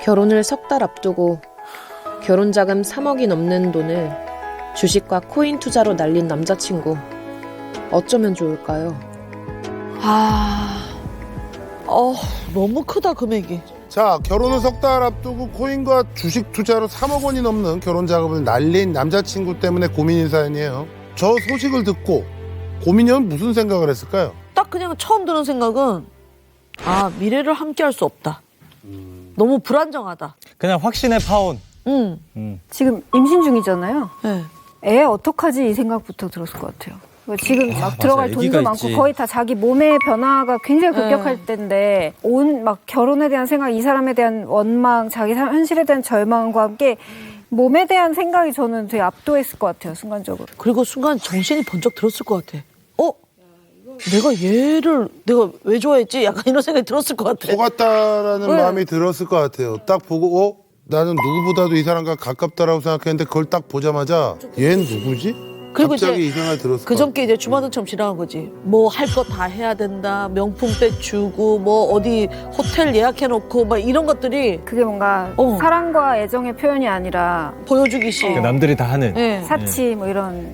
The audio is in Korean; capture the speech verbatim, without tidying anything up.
결혼을 석 달 앞두고 결혼 자금 삼억이 넘는 돈을 주식과 코인 투자로 날린 남자친구. 어쩌면 좋을까요? 아, 어, 너무 크다 금액이. 자, 결혼을 석 달 앞두고 코인과 주식 투자로 삼억 원이 넘는 결혼 자금을 날린 남자친구 때문에 고민인 사연이에요. 저 소식을 듣고 고민이 형 무슨 생각을 했을까요? 딱 그냥 처음 드는 생각은 아 미래를 함께할 수 없다. 너무 불안정하다. 그냥 확신의 파혼. 응. 음. 지금 임신 중이잖아요. 네. 애 어떡하지 이 생각부터 들었을 것 같아요. 지금 막 맞아, 들어갈 애기가 돈도 많고 있지. 거의 다 자기 몸의 변화가 굉장히 네. 급격할 때인데 온 막 결혼에 대한 생각, 이 사람에 대한 원망, 자기 사- 현실에 대한 절망과 함께 몸에 대한 생각이 저는 되게 압도했을 것 같아요, 순간적으로. 그리고 순간 정신이 번쩍 들었을 것 같아. 어? 내가 얘를 내가 왜 좋아했지? 약간 이런 생각이 들었을 것 같아. 속았다라는 네. 마음이 들었을 것 같아요. 딱 보고 어? 나는 누구보다도 이 사람과 가깝다라고 생각했는데 그걸 딱 보자마자 얘는 누구지? 그리고 갑자기 이제 이 생각이 들었을 그 것 전께 이제 주마등처럼 지나간 거지. 뭐 할 거 다 해야 된다. 명품백 주고 뭐 어디 호텔 예약해놓고 막 이런 것들이 그게 뭔가 어. 사랑과 애정의 표현이 아니라 보여주기식. 그러니까 남들이 다 하는. 네. 사치 뭐 이런